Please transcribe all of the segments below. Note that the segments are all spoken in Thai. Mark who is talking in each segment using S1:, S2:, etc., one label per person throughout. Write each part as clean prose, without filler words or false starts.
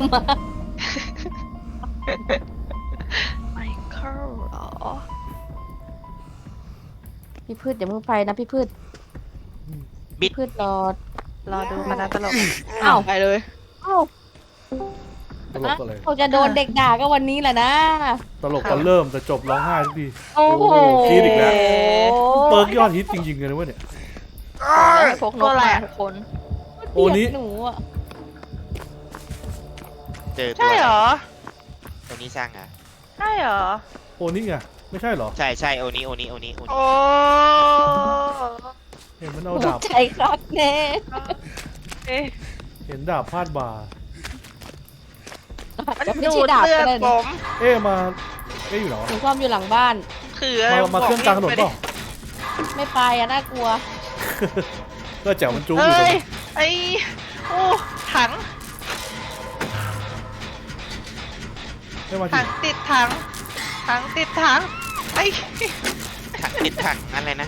S1: มา
S2: ไมเคิลเหรอ
S1: พี่พืชอย่าเพิ่งไปนะพี่พืช
S3: บิด
S1: พืช
S2: รอดูคณะตลก
S1: อ้าว
S2: ไปเลย
S1: อ้าว
S4: ตลกอะไร
S1: เขาจะโดนเด็กด่าก็วันนี้แหละนะ
S4: ตลกตอนเริ่มแต่จบร้องไห้ทุกที
S1: โอ้โห
S4: คิดอีกแล้วเปิร์กยอดฮิตจริงๆเลยนะเว้ยเนี่ย
S2: ให้พกนกมาทุกคน
S4: โอ้นี้
S1: หนูอ่ะ
S3: เจอตัว
S2: ใช่เหรอ
S3: ตัวนี้สร้างอ่ะ
S2: ใช่เหรอ
S4: โอ้นี่ไงไม่ใช่เหรอ
S3: ใช่ใช่โอนี้
S2: โอ้
S4: เห็นมันเอา
S1: ถู
S4: ดาก บ
S1: ใจครับแน่
S2: เอ๊ะ
S4: เห็นดาบพาดบ่า
S1: อาจจะไม่ใช่ดาบก็ได้นะ
S4: เอ๊ะมาเอ๊ะอยู่เหรอ
S1: หนูซ่อมอยู่หลังบ้าน
S2: คืออะไร
S4: มาเครื่องกลางถนนเปล่า
S1: ไม่ไปอะน่ากลัว
S4: ก็แจ๋วมันจุ๊บอยู่
S2: เฮ้
S4: ตรง
S2: ย
S4: นี้
S2: ไอ้โอ้ถัง
S4: ไม่มา
S2: ถั
S4: ถึ
S2: ง
S4: ง
S2: ติดถังถังติดถังไอ้
S3: ถังติดถังอะไรนะ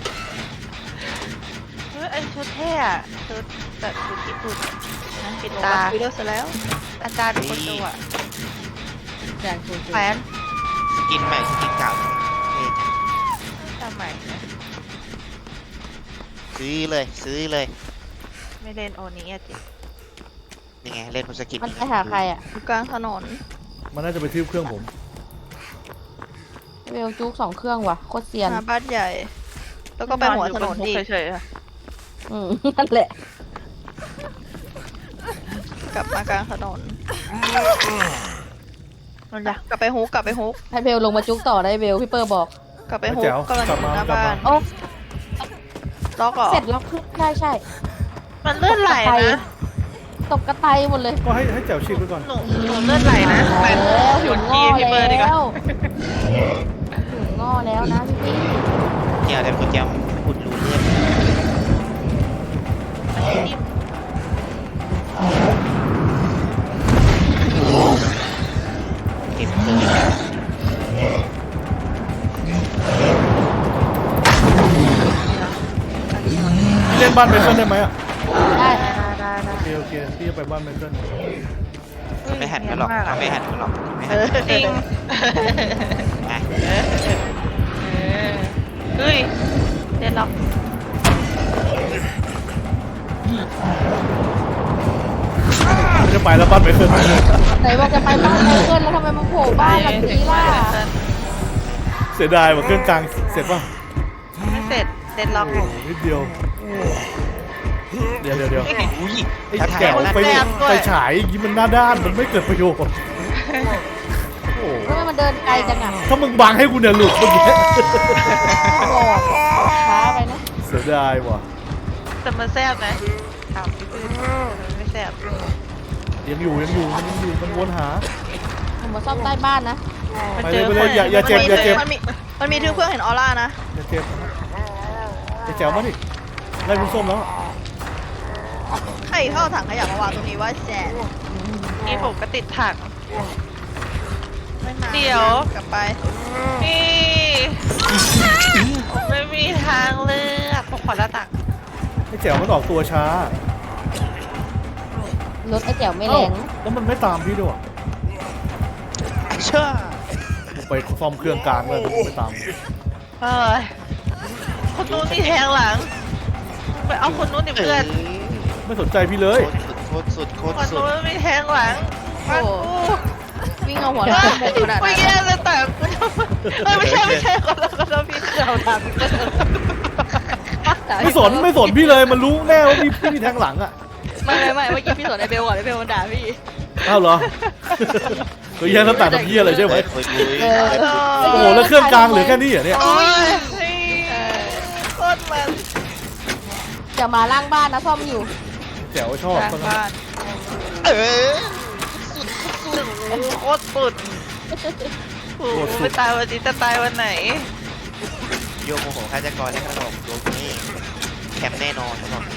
S2: ไอ้ชุดเท่อะชุดแบบชุดญี่ปุ่นนะปิดตาวิดีโอเสร็จแล้ว อาจารย์คนดูอะ
S1: แฟนคุณ
S2: แฟน
S3: สกินใหม่สกินเก่าเท่จัง
S2: ทำไมนะ
S3: ซื้อเลยซื้อเลย
S2: ไม่เล่นโอนี้อะจิ
S3: นี่ไงเล่นบนสกิน
S1: มันไปหาใครอ่ะ
S2: อยู่กลางถนน
S4: มันน่าจะไปทืบเครื่องผม
S1: เวลจุก2 เครื่องว่ะโคตรเซียน
S2: หาบ้านใหญ่ แล้วก็ไปหัวถนนอีก
S1: นั่นแหละ
S2: กลับมากลางถนนนั่นแหละกลับไปฮุกกลับไปฮุก
S1: ให้เบลลงมาจุกต่อได้เบลพี่เปอร์บอก
S2: กลับไปฮุก
S4: แจ๋ว
S2: กำลังอยู่หน้าบ้าน
S1: โอ้
S2: ล็อกเหรอ
S1: เสร็จล็อกขึ้นได้ใช่
S2: มันเลื่อนไหลนะ
S1: ตกกระไตหมดเลย
S4: ก็ให้แจ๋วฉีกไปก่อน
S2: หนูเลื่อนไหลนะไป
S1: แล้ว
S2: ห
S1: ห
S2: ยุ
S1: ยุ
S2: ด
S1: ด
S2: ที
S1: งอ
S2: พี่เบิร์ดดีกว่า
S1: แล้วหยุดงอแล้วนะพี่
S3: เกี่ยวแต่คนเกี่ยวขุดรูเลือดเก็บเลย
S4: พี่เล่นบ้านเมเคิลได้ไหมอ่ะ
S1: ได้
S4: โอเคโอเคพี่จะไปบ้านเมเคิล
S3: ไม่หันกันหรอกเขาไม่หันกันหรอกไม่หัน
S2: จริง
S3: อ่ะ
S2: เฮ้ยเล่นล็อก
S4: ไม่จะไปแล้วบ้านเมเคิล
S1: ไหนบอกจะไปบ้านไมเคิลแล้วทำไมมาโผล่บ้านหลังนี้ล่ะ
S4: เสียดายว่าเครื่องกลางเสร็จป่ะ
S2: ไม่เสร็จเล่นล็อก
S4: นิดเดียวเดี๋ยว
S3: อุ้ย
S4: ไอ้
S3: ถ้าถ่าย
S4: แจ๋ว
S3: แล้ว
S4: ไปฉายอย่างนี้มันหน้าด้านมันไม่เกิดประโยชน์โอ้
S1: ทำไมมันเดินไกลจังอ่ะ
S4: ถ้ามึงบังให้กูเนี่ยหลุดเมื่อกี้
S1: บอกช้าไปนะ
S4: เสียดายว่ะ
S2: แต่มันแซ่บนะถามพี่ปืนไม่แซ่บ
S4: ยังอยู่มันวนหา
S1: ผมมาซ่อมใต้บ้านนะ
S4: ไปเลยอย่าเจ็บ
S2: มันมีทึ่เพื่อนเห็นออร่านะ
S4: อย่าเจ็บไอ้แจ๋วมาดิไล่คุณส้มแล้ว
S2: ใครเข้าถังขยะมาวางตรงนี้ว่าแจ๊นี่ผมก็ติดถังเดี๋ยวกลับไปนี่ไม่มีทางเลือกผมขอหน้าต่าง
S4: ไอ้แจ๋วมันออกตัวช้าร
S1: ถไอ้แจ๋วไม่แรง
S4: แล้วมันไม่ตามพี่ด้วย
S3: เชื่อ
S4: ไปซ่อมเครื่องกลางเลยไม่ตาม
S2: เอ้ยคนนู้นมีแทงหลังไปเอาคนนู้นดิเพื่อน
S4: ไม่สนใจพี่เลย
S3: โคตรสุดโคตร
S2: คน
S3: สุด
S2: นู้นมีแทงหลังมากู
S1: วิ่งเอาหัวเราะขนาด
S2: ไม่
S1: นั้น
S2: แย่เลยแต่กูทำไม่ใช่คนละพี่เราทำ
S4: ไม่สนพี่เลยมันรู้แน่ว่าพี่มีแทงหลังอ่ะ
S2: ไม่เมื่อกี้พี่สอนไอเบลก่อนไอเบลมันด่าพี่
S4: อ้าวเหรอตัวแย่ตั้งแต่ตะกี้อะไรใช่ไหม
S3: โอ้ย
S4: โอ้โหแล้วเครื่องกลางเหลือแค่นี้เหรอเนี่ย
S2: โอ้ยโคตรมัน
S1: จะมาล่างบ้านนะซ่อมอยู่
S4: แจ๋วชอบ
S2: ทางบ้าน
S3: เออ
S2: โคตรสุดโอ้ไม่ตายวันนี้จะตายวันไหน
S3: โยมโมโหฆาตกรให้ขนมโยมนี่แคมป์แน่นอนขนมนี้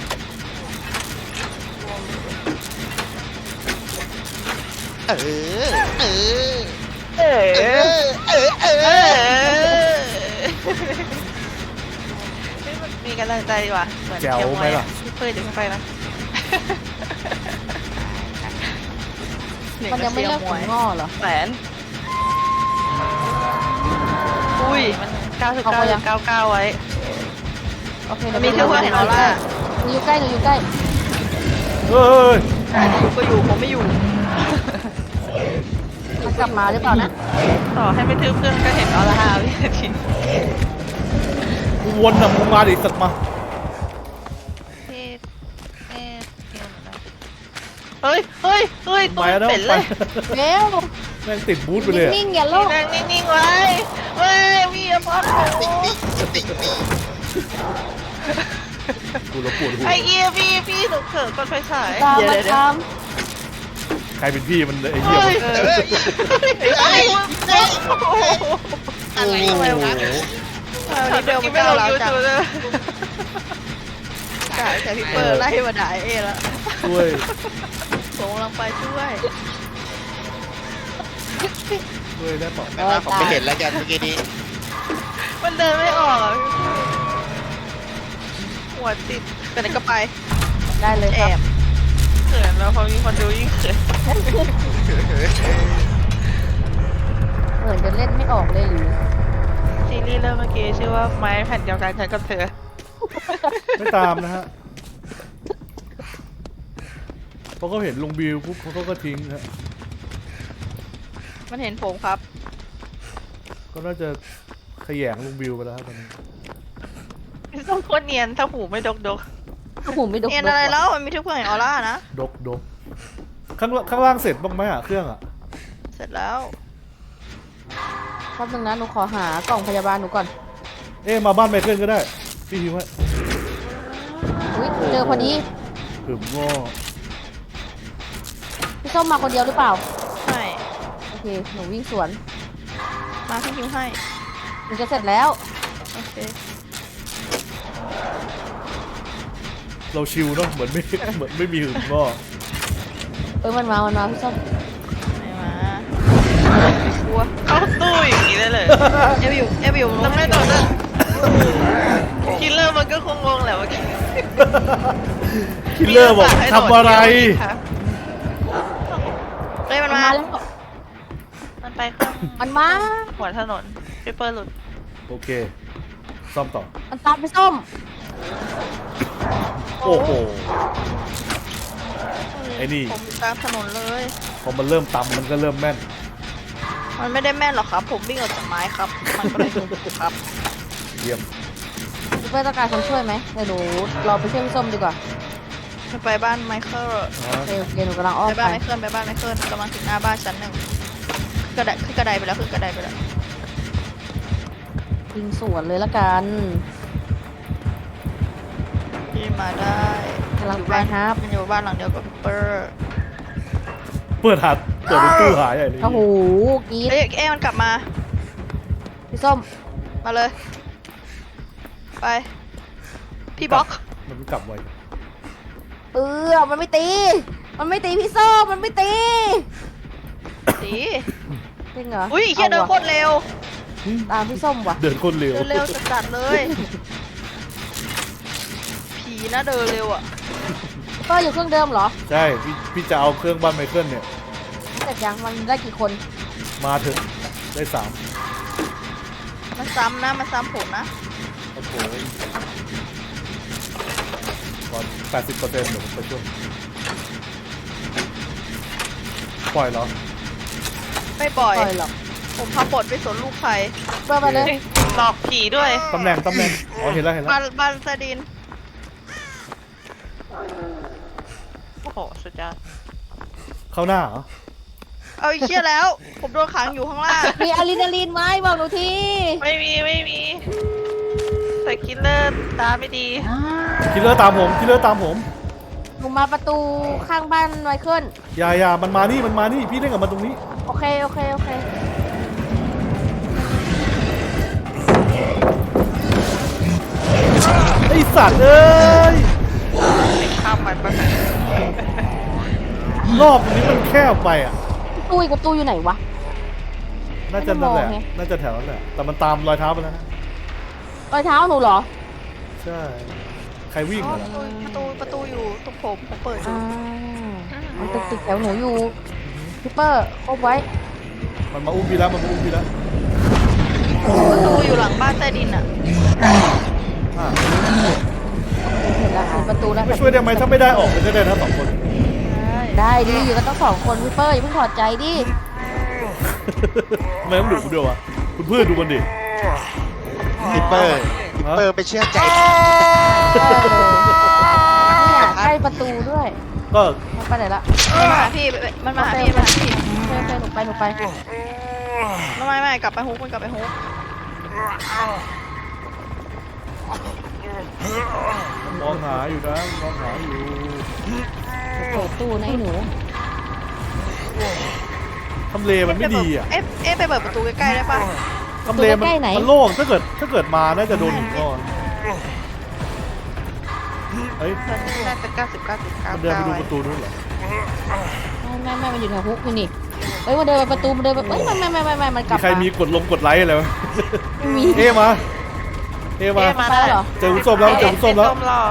S3: เออเออ
S2: เออ
S3: เออเออเออ
S2: มีกำลังใจดีว่ะเหมือน
S4: แจ๋วไหมล่ะ
S2: พี่เพื่อนเดี๋ยวไปนะ
S1: มันยังไม่เลิกถึงงอเหรอ
S2: แหวนอุ้ยมัน99.99ไว้
S1: โอเค
S2: มันมีเชื่อว่าเห็นออร่า
S1: หนูอยู่ใกล้หนูอยู่ใกล้
S4: เฮ้ย
S2: อยู่ก็อยู่ผมไม่อยู่
S1: มันกลับมาหรือเปล่านะ
S2: ต่อให้ไม่ทึบเครื่องก็เห็นออร่าพี่นาที
S4: กูวนน่ะมึงมาดิสัตว์มา
S2: พี่เอ๊ะเฮ้ยตัวเป็นเลย
S1: เร็ว
S4: แม่งติดบูธไปเลยอะ
S1: นิ่งๆอย่าโลก
S2: นั่งนิ่งๆไว้เฮ้ยพี่อย่าป้อนผม
S3: ติ๊กนี่
S4: กูแล้วปวดหัว
S2: ไอเอียพี่หนูเขินก่อนไฟฉาย
S1: ตามมาตาม
S4: ใครเป็นพี่มันไอ้เหี้ย
S2: เฮ้ย
S4: มัน
S2: ไอ้มึงเจ๊
S3: อะไรวะ
S2: เดี๋ยวมันก้าวร้าวจังกะแต่พี่เปิร์ไล่มาด่าเอแล้ว
S4: ช่วย
S2: ส่งกำลังไปช่วย
S4: ช่วยได้เปล่า
S3: แม่ว่าผมไม่เห็นแล้วกันเมื่อกี้นี้
S2: มันเดินไม่ออกหัวติดไปไหนก็ไป
S1: ได้เลย
S2: แอ
S1: ครับ
S2: บเขินแล้วพอมีคนดูยิ่งเขิน
S1: เหมือนจะเล่นไม่ออกเลยหรือ
S2: ซีรีส์เรื่องเมื่อกี้ชื่อว่าไม้แผ่นเดียวกันฉันกับเธอ
S4: ไม่ตามนะฮะเพราะเขาเห็นลุงบิวปุ๊บเขาก็ทิ้งฮะ
S2: มันเห็นผมครับ
S4: ก็น่าจะขยงลุงบิวไปแล้วครับตอนนี้
S2: ต้องโคตรเนียนถ้าหูไม่ดก
S1: หูไม่ดก
S2: เนียนอะไรแล้วมันมีทุกเพื่อนเห็นออร่านะ
S4: ดกข้างล่างเสร็จบ้างไหมอ่ะเครื่องอ่ะ
S2: เสร็จแล้ว
S1: แป๊บนึงนะหนูขอหากล่องพยาบาลหนูก่อน
S4: มาบ้านไมเคิลก็ได้พี่พิมพ์ไว้
S1: อุ้ยเจอพอดี
S4: ถึงง้อ
S1: พี่ส้มมาคนเดียวหรือเปล่า
S2: ใช่
S1: โอเคหนูวิ่งสวน
S2: มาพี่คิวให้
S1: หนูจะเสร็จแล้ว
S2: โอเค
S4: เราชิลเนาะเหมือนไม่มีหึงง้อ
S1: มันมาพี่ส้ม
S2: ไม่มากลัวเข้าตู้อย่างนี้ได้เลยเอฟอยู่ทำไม่โดนเลยคิลเลอร์มันก็คงงงแหละว่า
S4: คิลเลอร์บอกทำอะไร
S2: เฮ้ยมันมา
S1: แล้ว
S2: มันไปข้าง
S1: มันมา
S2: หัวถนนพี่เปิร์หลุด
S4: โอเคซ่อมต่อ
S1: มันตามพี่ส้ม
S4: โอ้โห ไอ้นี่
S2: ผมอยู่กลางถนนเลย
S4: พอมันเริ่มตำมันก็เริ่มแม่น
S2: มันไม่ได้แม่นหรอกครับ ผมวิ่งออกจากไม้ครับ มันก็เลยถูกครับ
S4: เยี่ยม
S1: พี่เป้ต้องการคนช่วยไหมเดี๋ยวหนูรอไปช่วยพี่ส้มดีกว่า
S2: จะไปบ้านไมเคิล
S1: โอเคหนูกำลังอ้อม
S2: ไป
S1: ไป
S2: บ้านไมเคิลกำลังถึงหน้าบ้านชั้นหนึ่งขึ้นกระไดไปแล้วขึ้นกระไดไปแล้ว
S1: ยิงสวนเลยละกัน
S2: ที่มาได้
S1: กำลัง
S2: อยู่
S1: ไป
S2: บ้าน
S1: ครับ
S2: มันอยู่บ้านหลังเดียวกับพี่เปิร์
S4: เปิดตู้หายใหญ่เลย
S1: โอ้โหกรี๊ด
S2: เอ้ยเอ๊ะมันกลับมา
S1: พี่ส้ม
S2: มาเลย ไป พี่บล็อก
S4: มันกลับไว
S1: มันไม่ตี มันไม่ตีพี่ส้มมันไม่ตี
S2: สี
S1: จริงเหรอ
S2: อุ้ยเฮียเดิน
S1: อา
S2: โค
S1: ว่ะ
S2: ตรเร็ว
S1: ตามพี่ส้มว่ะ
S4: เดินคนเร็ว
S2: เดินเร็วจัดๆเลย ผีนะเดินเร็วอ่ะ
S1: ก็อยู่เครื่องเดิมเหรอ
S4: ใช่พี่จะเอาเครื่องบ้านไมเคิลเนี่ย
S1: เสร็จยังมันได้กี่คน
S4: มาเถอะได้3
S2: มันซ้ำนะ มันซ้ำผมนะ
S4: โอ้โหก่อน80%เดี๋ยวผมไปช่วยปล่อยเหรอ
S2: ไม่ปล่อย
S1: ปล่อยหรอก
S2: ผมทำบทไม่สนลูกใคร
S1: เปิดไปเลย
S2: หลอกผีด้วย
S4: ตำแหน่งอ๋อเห็นแล้ว
S2: บันสดิน โอ้โห สุดยอด
S4: เข้าหน้าเหรอ
S2: เอาไอ้เชี่ยแล้ว ผมโดนขังอยู่ข้างล่าง
S1: มีอะดรีนาลีนไหมบอกหนูที
S2: ไม่มี แต่คิลเลอร์ตาไม่ดี
S4: คิลเลอร์ตามผม
S1: หนูมาประตูข้างบ้านไมเคิล
S4: อย่ามันมานี่พี่เล่นกับมันตรงนี้
S1: โอเค
S4: ไอสัตว์เอ้ย
S2: ไม่ข้ามมันปะ
S4: รอบนี้มันแคบไปอ่ะ
S1: ตู้อีกประตูอยู่ไหนวะ
S4: น่าจะนั่นแหละ
S1: ไม่ได้มองไง
S4: น่าจะแถวนั้นแหละแต่มันตามรอยเท้าไปแล้วนะ
S1: รอยเท้าหนูเหรอ
S4: ใช่ใครวิ่ง
S2: อ๋อ
S4: เหรอ
S2: ประตูอยู่ตรงผมเปิดอยู่
S1: มันติดแถวหนูอยู่พี่เปอร์ครบไว้
S4: มันมาอุ้มพี่แล้วมันมาอุ้มพี่แล้ว
S2: ประตูอยู่หลังบ้านใต้ดินอ่ะ
S4: อ่ะ
S1: เห็นแล้วเห็นประตูแล้ว
S4: ไม่ช่วยได้ไหมถ้าไม่ได้ออกมันจะได้ทั้งสองคน
S1: ได้ดิอยู่กันต้องสองคนพี่เปอร์อย่าเพิ่งถอดใจดิ
S4: ทำไมต้องดุด้วยวะคุณเพื่อนดูมันดิ
S3: ฮิปเปอร์ไปเชื่อใจ
S1: เนี่ยใกล้ประตูด้วย
S4: ก็
S1: มันไปไหนละ
S2: มันมาหาพี่มันมาหาพี่มาหาพี่
S1: โอเคหนูไป
S2: ไม่กลับไปฮุกมันกลับไปฮุก
S4: มองหาอยู่นะมองหาอยู่
S1: เปิดตู้นะไอ้หนู
S4: ทำเลมันไม่ดีอ่ะ
S2: เอ๊ะไปเปิดประตูใกล้ๆได้ป่ะ
S4: ทำเลมันโล่งถ้าเกิดมาน่าจะโดนหินก้อนเฮ้ย
S2: น่าจะ99.99
S4: มันเดินไปดูประตูนู้นเหรอ
S1: ไม่มันอยู่แถวฮุกนี่เอ้ยมันเดินไปประตูมันเดินไปเอ้ยไม่มันกลั
S4: มี
S1: บ
S4: ใครมีกดไลค์อะไรไหม
S1: ไม่มี
S4: เอ๊ะมา
S2: มา
S1: ไป
S2: ได้
S1: เหรอ
S4: เจอคุณส้มแล้วเจอคุณส้มแล้ว
S2: ส้มรอก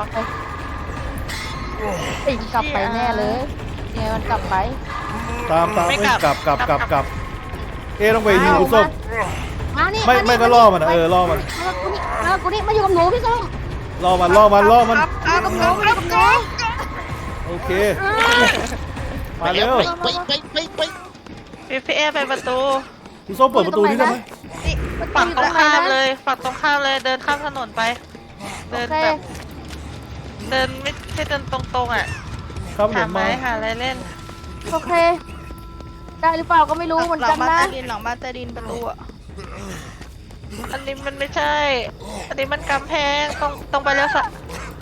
S1: ลับไปแน่เลยเนี่ยมันกลับไป
S4: ตามไม่กลับเอ๊ะต้องไปยิงคุณส้ม
S1: มานี่
S4: ไม่ก็ล่อมันล่อมัน
S1: มากูนี่มาอยู่กับหนูพี่ส้ม
S4: ล่อมัน
S2: ครับ
S4: โอเคมาเร็ว
S2: พี่เอ๊ไปประตู
S4: คุณส้มเปิดประตูนี้ได้ไหม
S2: นี่ฝั่งตรงข้ามเลยฝั่งตรงข้ามเลยเดินข้ามถนนไป
S1: โอ
S2: เดิน
S1: เค
S2: แบบเดินไม่ใช่เดินตรงๆอ่ะ
S4: ครับผ
S2: หาม ไม้
S4: มา
S2: หาอะไรเล่น
S1: โอเคได้หรือเปล่าก็ไม่รู้เหมือนกันนะ
S2: หลังบ้านใต้ดินประตูอ่ะอันนี้มันไม่ใช่ อันนี้มันกำแพงตรงไปแล้วสัก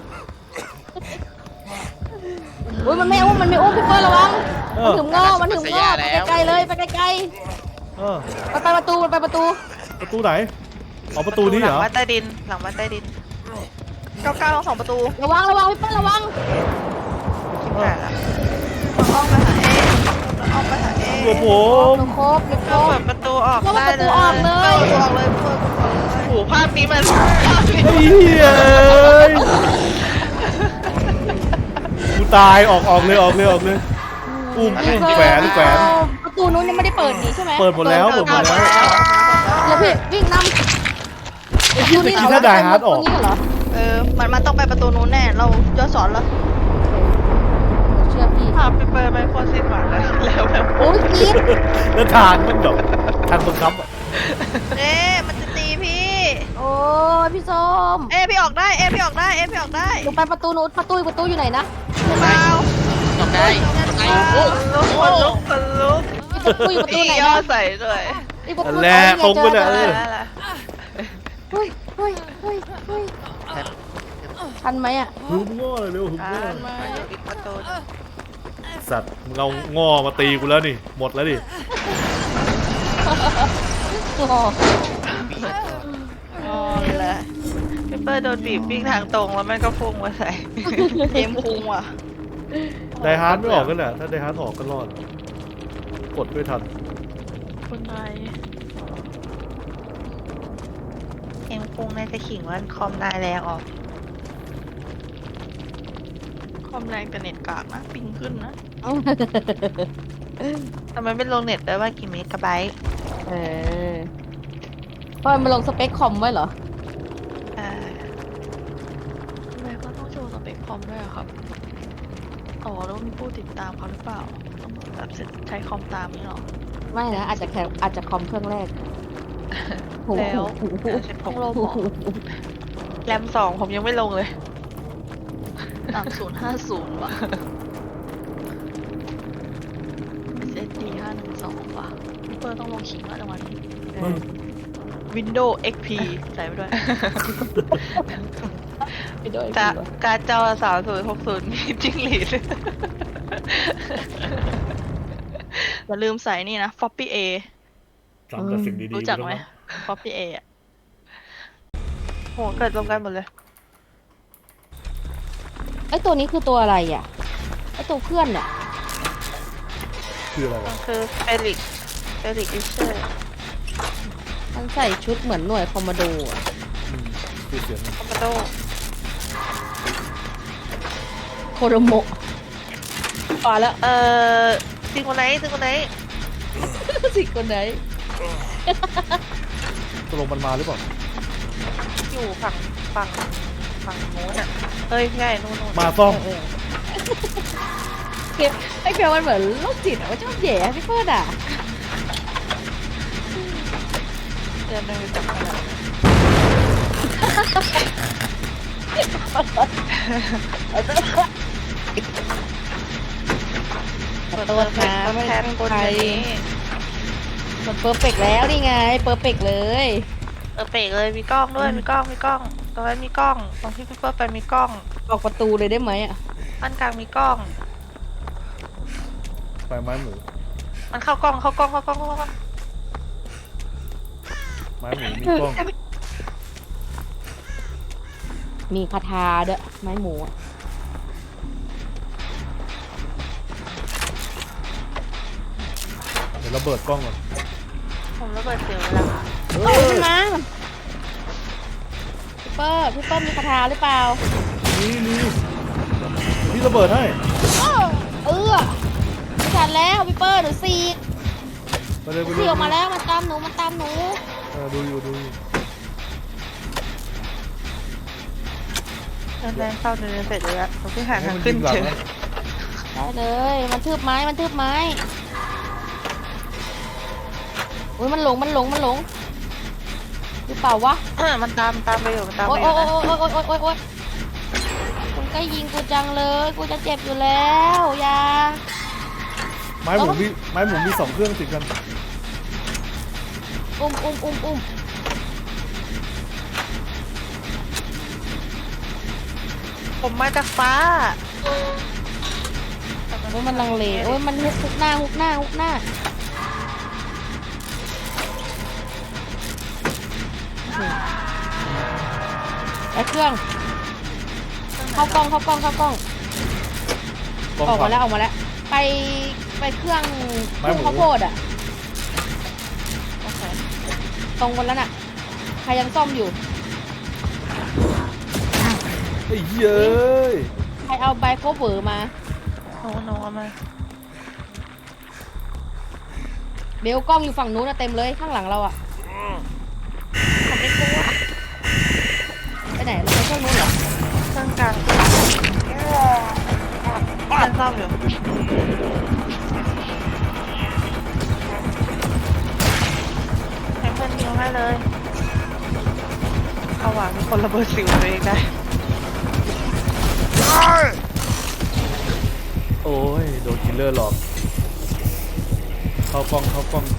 S1: อุ้ยมันไม่อุ้มพี่เปิ้ลระวังมันถึงงอไปไกลๆเลยไปไกล
S4: เออ
S1: ๆไปประตูมันไปประตู
S4: ประตูไหนอ๋อประตูนี้เหรอ
S2: หลังบ้านใต้ดินหลังบ้านใต้ดิน99ทั้ง2ประตู
S1: ระวังพี่เปิ้ลระวัง
S2: คิดผ่านละอ้อมไปหาเออ้อมไปหาเอ
S4: ตัวผม
S1: หนูครบ
S2: ก็เปิดประตูออกได้เลย
S1: เปิดประตูออกเลย
S2: เปิดประตูออกเลยเปิดประตูออกเลยโอ้โหภาพนี้มันภาพนี้
S4: ไอ้เหี้ยกูตายออกเลยอุ้มแขวน
S1: ประตูนู้นยังไม่ได้เปิดนี่ใช่ไหม
S4: เปิดหมดแล้ว
S1: แล้วพี่วิ่งนำ
S4: ไอ้ที่ตะกี้ถ้าไดฮาร์ดออก
S1: เหรอ
S2: มันต้องไปประตูนู้นแน่เราย้อนสอนแล้ว
S1: เชื่อพี่
S2: ภาพไปเปิดไปโคตรสิ้นหวังเลยแล้วแบบ
S1: โอ้ยคิด
S4: แล้วทางมันแบบทางบังคับอ่ะ
S2: มันจะตีพี่
S1: โอ้ยพี่ส้ม
S2: พี่ออกได้พี่ออกได้พี่ออกได้
S1: หนูไปประตูนู้นประตูอยู่ไหนนะ
S2: เปล่า
S3: ออกได้
S2: ลุก
S1: ประตูอยู่ประตูไหน
S2: ย่อ
S1: นะ
S2: ใส่ด้วย
S4: นั่นแหละตรงไปเลย
S1: เฮ้ยทันไหมอ่ะ
S4: หึมง้อเลยเร็วหึมง้อ
S2: มาอยู่อีกประตู
S4: สัตว์มึงเอาง้อมาตีกูแล้วนี่หมดแล้วดิ
S1: โอ้
S2: อ๋อเลยพี่เปิ้ลโดนบีบวิ่งทางตรงแล้วแม่ก็พุ่งมาใส่เทมพุ่งว่ะ
S4: ไดฮาร์ดไม่ออกกันแหละถ้าไดฮาร์ดออกก็รอดกดไม่ทัน
S2: คนไทยเทมพุ่งน่าจะขิงว่าคอมนายแรงออกคอมแรงแต่เน็ตกากนะปิงขึ้นนะทำไมไม่ลงเน็ตได้ว่ากี่เมกะไบต์
S1: เพราะมันลงสเปคคอมไว้เหรอ
S2: ทำไมก็ต้องโชว์สเปคคอมด้วยอะครับ อ๋อแล้วมีผู้ติดตามเขาหรือเปล่าต้องแบบใช้คอมตามนี่หรอ
S1: ไม่นะอาจจะคอมเครื่องแรก
S2: แล้วใช้ของโลบอแรม2ผมยังไม่ลงเลย3050ว่ะ SSD 512ว่ะพี่เปิร์ต้องลงขิงแล้วจังหวะนี้ Windows XP ใส่ไปด้วย การ์ดจอ3060มีจิ้งหรีดอย่าลืมใส่นี่นะ Floppy A
S4: ทำแต่สิ่งดีๆ
S2: รู้จักไหม Floppy A อ่ะโหเกิดรวมกันหมดเลย
S1: ไอตัวนี้คือตัวอะไรอ่ะไอตัวเพื่อนอ่ะ
S4: คืออะไร
S2: มั
S4: วะ
S2: นคือเฟลิกอิเชอร์
S1: มันใส่ชุดเหมือนหน่วยคอมมานโดอ่ะ
S4: คือเสียง
S2: คอมมานโด
S1: โคโรโมะปาแล้ว
S2: ซิงคนไหน
S1: สิคนไหน
S4: ตกลงมันมาหรือเปล่า
S2: อยู่ฝั่งโน้นอ่ะเฮ้ยใช่นู่น
S4: มาซ่อม
S1: เกมไอ้เกมมันเหมือนโรคจิตอะว่าชอบแย่พี่เฟิร์นอ่ะ
S2: เดินไปจับกันแล้ว
S1: ขอโทษนะไม่
S2: แท
S1: ได้
S2: น
S1: ตั้ง
S2: คน
S1: ใจ
S2: นี้
S1: มันเปอร์เฟกต์แล้วนี่ไงเปอร์เฟกต์เลย
S2: เปกเลยมีกล้องด้วยมีกล้องตรงนั้นมีกล้องตรงที่พี่เปิ้ลไปมีกล้อง
S1: ออกประตูเลยได้ไหมอ่ะ
S2: อันกลางมีกล้อง
S4: ไปไม้หมู
S2: มันเข้ากล้อง
S4: ไม้หมูมีกล้อง
S1: มีคาถาด้วยไม้หมูอะ
S4: เดี๋ยวระเบิดกล้องก่อน
S2: ผมระเบิดเสียวแล้ว
S1: เฮ้ยขึ้นมาพี่เปิ้ลมีคาถาหรือเปล่า
S4: นี่พี่ระเบิดให้
S1: ไม่ทันแล้วพี่เปิ้ลหนูซีก
S4: ไปเลยไป
S1: ซี
S4: เลย
S1: ออกมาแล้วมันตามหนู
S4: ดูอยู่
S2: เดินเข้าเดินเสร็จเลยอะผมเพิ่งหา
S4: ให้
S2: ทาง
S4: มัน
S2: ขึ้
S4: ยิ
S2: น
S4: งหลัง
S2: เจอ
S4: นะ
S1: ได้เลยมันทืบไม้อุ้ยมันหลงหรือเปล่าวะ
S2: มันตามไปอยู่นะ
S1: โอ๊ยคุณก็ยิงกูจังเลยกูจะเจ็บอยู่แล้วอย่า
S4: ไม้หมูมี2เครื่องติดกัน
S1: อุ้ม
S2: ผมมาจากฟ้า
S1: โอ้ยมันลังเลโอ้ยมันฮุกหน้าไอ้เครื่องเข้ากล้องออกมาแล้วไปเครื่องข้าวโพดอ่ะ
S2: โอเค
S1: ตรงบนแล้วน่ะใครยังซ่อมอยู่
S4: ไอ้เย้ย
S1: ใครเอาใบโคเวอร์มา
S2: โน้เอามา
S1: เบลกล้องอยู่ฝั่งนู้นนะเต็มเลยข้างหลังเราอ่ะ
S2: ผมไม่กลัว
S1: ไปไหนเราไปเครื่องนู้นเหรอ
S2: เครื่องกลางมันซ่อมอยู่ให้เพื่อนยิงให้เลยเอาว่ะมีคนระเบิดสิวตัวเองได้
S4: โอ้ยโดนคิลเลอร์หลอกเข้ากล้อง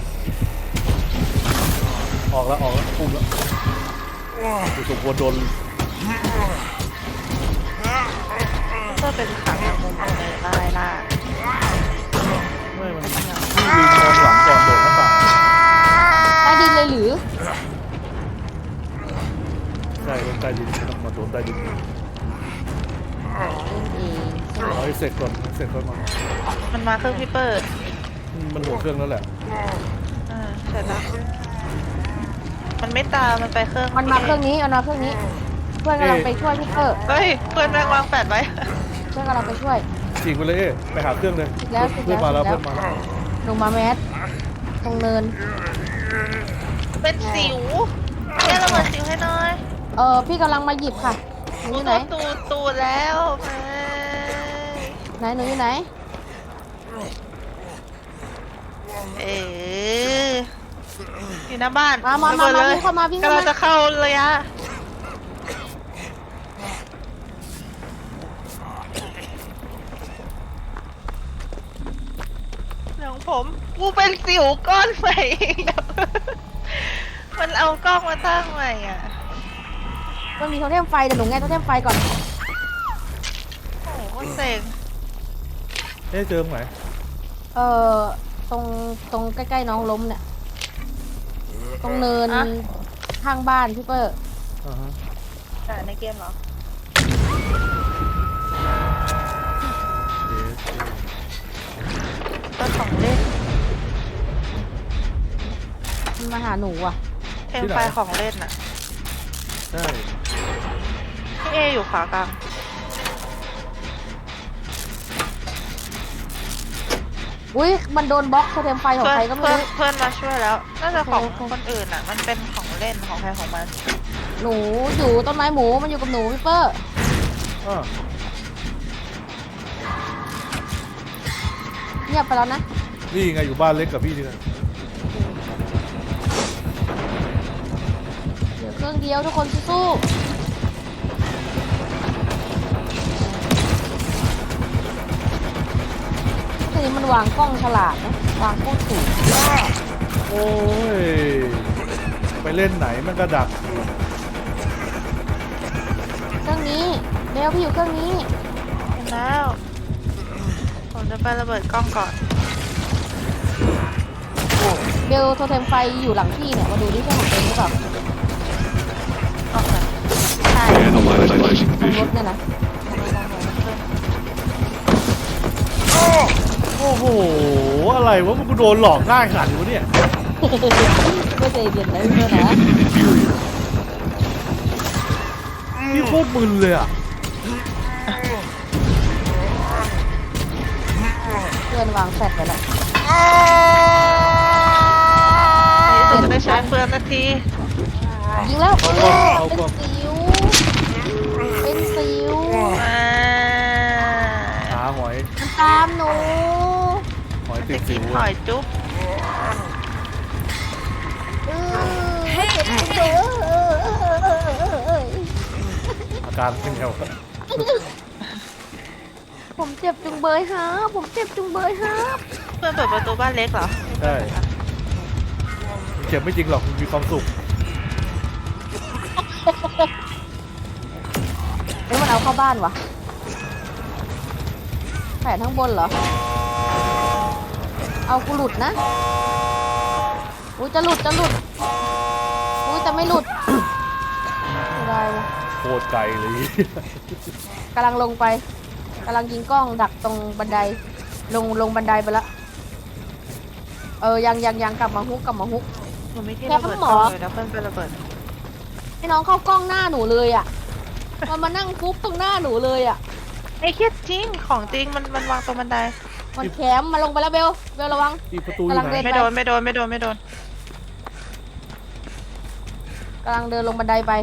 S4: ออกแล้วปุ่มแล้วกูสมควรโดน
S2: เพื่อเป็นขังอย่างมุมเลยได้ล่ะ
S4: ไม่มันพี่ลืมมองหลังก่อนโดดหน้าต่าง
S1: ใต้ดินเลยหรือ
S4: ใช่ลงใต้ดินมาโดนใต้ดิน
S1: เอง
S4: เอาให้เสร็จก่อนมา
S2: มันมาเครื่องพี่เปิด
S4: มันหัวเครื่องแล้วแหละ
S2: เสร็จแล้วมันไม่ตามมันไปเครื่อง
S1: มันมาเครื่องนี้เพื่อนกำลังไปช่วยพี่เปิ้ล
S2: เฮ้ยเพื่อนแม่งวางแปดไว้
S1: เพื่อนกำลังไปช่วย
S4: ฉีกไปเลยไปหาเครื่องเลย
S1: แล้ว
S4: เพื่อนมาแล้ว
S1: แล้ว
S4: เพื่อนมาแล้ว
S1: ลงมาแมสตรงเนิน
S2: เป็นสิวแค่ระเบิดสิวให้หน่อย
S1: พี่กำลังมาหยิบค่ะหนูอยู่ไหน
S2: ตูดแล้วแม่
S1: หนูอยู่ไหน
S2: อยู่หน้าบ้าน
S1: มา
S2: ระบิดลย
S1: วิ่งเข้ามา
S2: กำลังจะเข้าระยะของผมกูเป็นสิวก้อนใหม่มันเอากล้องมาตั้งใหม่อ่ะ
S1: มันมีโทเทมไฟเดี๋ยวหนูแง่โทเทมไฟก่อน
S2: โอ้โหเซ็ง
S4: เจอตรงไหน
S1: ตรงใกล้ๆน้องล้มเนี่ยตรงเนินข้างบ้านพี่เปิ้ล
S4: อ่าฮะ
S2: แต่ในเกมเหรอ ก็ของเล่น
S1: มันมาหาหนูอ่ะ
S2: เทมไฟของเล่นน่ะ
S4: ใช่
S2: พี่เออยู่ขวากลาง
S1: อุ้ยมันโดนบล็อกโทเทมไฟของใครก็ไม่รู้
S2: เพื่อนมาช่วยแล้ว น่าจะของ
S1: โอเค
S2: คนอื่นอ่ะ มันเป็นของเล่นของใครของมัน
S1: หนูอยู่ต้นไม้หมูมันอยู่กับหนูพี่เปอร์
S4: อ้าว
S1: เงียบไปแล้วนะ
S4: นี่ไงอยู่บ้านเล็กกับพี่นี่นะ
S1: เหลือเครื่องเดียวทุกคนสู้ๆทีนี้มันวางกล้องฉลาดนะวางโคตรสูง
S4: โอ้ยไปเล่นไหนมันก็ดัก
S1: เครื่องนี้เบลพี่อยู่เครื่องนี้
S2: เห็นแล้ว ผมจะไประเบิดกล้องก่อน
S1: เบลโทเทมไฟอยู่หลังพี่เนี่ยมาดูนี่ใช่ของเองหรือเปล่า
S2: ออกมาใช่
S5: Analyzing
S1: ตรงรถ
S5: vision.
S1: เนี่ยนะ
S4: โอ้โหอะไรวะมันกูโดนหลอกง่ายขนาดนี้วะเนี่ย
S1: ไม่ใจเย็นนะพี่เบลนะ
S5: Inferior.
S4: พี่โคตรมึนเลยอ่ะ
S1: เพื่อนวางแฟลชไปแล้ว
S2: ในที่สุดจะได้ใช้เฟืองนาที
S1: ยิงแล้ว
S4: เอาก่อนเอาก่อน
S1: เป็นสิวเป็นสิว
S2: มา
S4: หาหอย
S1: มันตามหนู
S4: หอยติ
S2: จะ
S4: ดสิ
S2: กิน
S4: ว
S2: หอยจุ๊บ
S1: เจ็บจังเลย
S4: อาการเป็นไงวะ
S1: ผมเจ็บจุงเบยฮะผมเจ็บจุงเบยฮะ
S2: เพื่อนเปิดประตูบ้านเล็กเหรอ
S4: ใช่มันเจ็บไม่จริงหรอกมันมีความสุข
S1: แล้วมันเอาเข้าบ้านวะแผนข้างบนเหรอ เอากูหลุดนะ อุ้ยจะหลุดจะหลุด อุ้ยจะไม่หลุดไม่ได้วะ
S4: โคตรไกลเลย
S1: กำลังลงไปกำลังยิงกล้องดักตรงบันได ลงบันไดไปละยังกลับมาฮุก
S2: หนูไม่ที่
S1: แค่
S2: ระเบิด
S1: หม
S2: กล้
S1: อ
S2: องเลยนะเพื่อนไประเบิด
S1: ให้น้องเข้ากล้องหน้าหนูเลยอ่ะ มันมานั่งฟุบตรงหน้าหนูเลยอ่ะ
S2: ไอ้เครียดจริง ของจริงมันวางตรงบันได
S1: มันแคมมาลงไปแล้วเบลระวัง
S4: อีประตูอยู่
S1: กำลัง
S4: ไหน
S1: เดิน
S2: ไม่โดนไม่โดนไม่โดนไม่โดน
S1: กำลังเดินลงบันไดไป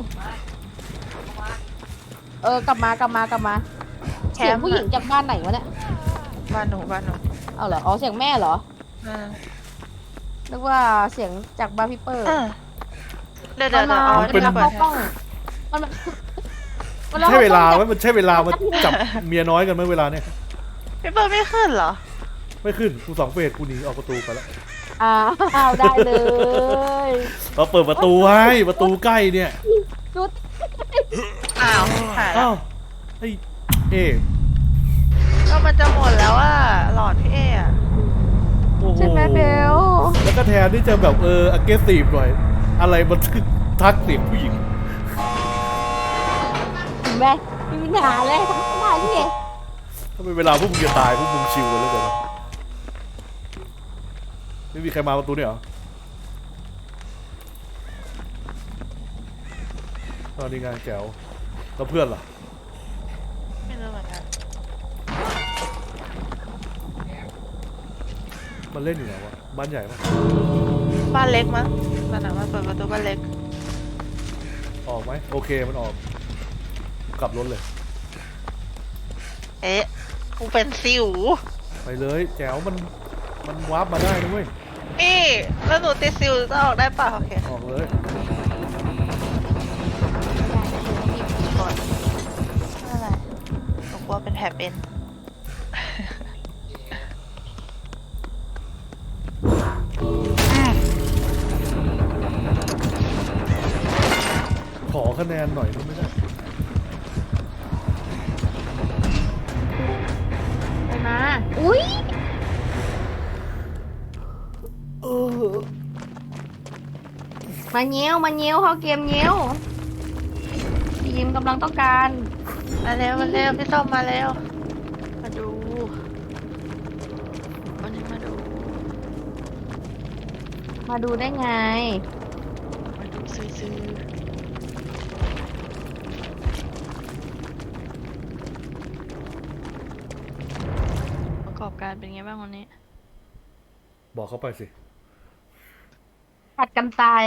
S1: กลับมาเสียงผู้หญิงจากบ้านไหนวะเนี่ย
S2: บ้านหนู
S1: เอาเหรอ อ๋อ เสียงแม่เหรอ
S2: อ่า
S1: นึกว่าเสียงจากบ้านพี่เปอร์
S2: เดี๋ยวเอา
S1: มัน
S2: ที่
S1: มา
S2: ระเบิด
S1: เข้ากล้อง มัน
S4: ใช่เวลา
S1: ไห
S4: ไหมมันใช่เวลามาจับเมียน้อยกันไหมเวลาเนี่ย
S2: พี่เบิร์ดไม่ขึ้นเหรอ
S4: ไม่ขึ้นกู2 เฟสกูหนีออกประตูไปแล้ว
S1: อ้าวได้เลย
S4: เราเปิดประตูให้ประตูใกล้เนี่ย
S1: จุด
S2: อ้าวหายแล้
S4: อ้าว วไอ้เอ๊ะ
S2: ก็มันจะหมดแล้วอ่ะหลอดพี่เออะ
S4: โอ้โห
S1: ใช่ไหมเบล
S4: แล้วก็แทนที่จะแบบaggressive หน่อยอะไรมันทักเสียงผู้หญิง
S1: เห็นไหมมีปัญหาเลยทั้งหน้าที่เอง
S4: ถ้าเป็นเวลาพวกมึงจะตายพวกมึงชิวกันแล้วกันนะไม่มีใครมาประตูเนี่ยเหรอตอนนี้ไงแจ๋วแล้วเพื่อนล่ะ
S2: ไม่รู้เหมือนกัน
S4: มันเล่นอยู่ไหนวะบ้านใหญ่ปะ
S2: บ้านเล็กมั้งมันอ่ะมันเปิดประตูบ้านเล็ก
S4: ออกไหมโอเคมันออกกลับรถเลย
S2: เอ๊ะกูเป็นสิว
S4: ไปเลยแจ๋วมันวาร์ปมาได้นะเว้ย
S2: นี่แล้วหนูติดสิวจะออกได้ป่ะโอเค
S4: ออกเลย
S2: ก่อนอะไรหนูกลัวเป็นแผลเป็น
S4: ขอคะแนนหน่อยก็ไม่ได้
S1: ไปมา อุ้ยมาเงี้ยวเข้าเกมเงี้ยวทีมกำลังต้องการ
S2: มาเร็วพี่ส้มมาเร็วมาดูวันนี้มาดู
S1: มาดูได้ไง
S2: มาดูซื้อประกอบการเป็นไงบ้างวันนี้
S4: บอกเขาไปสิ
S1: ผัดกันตาย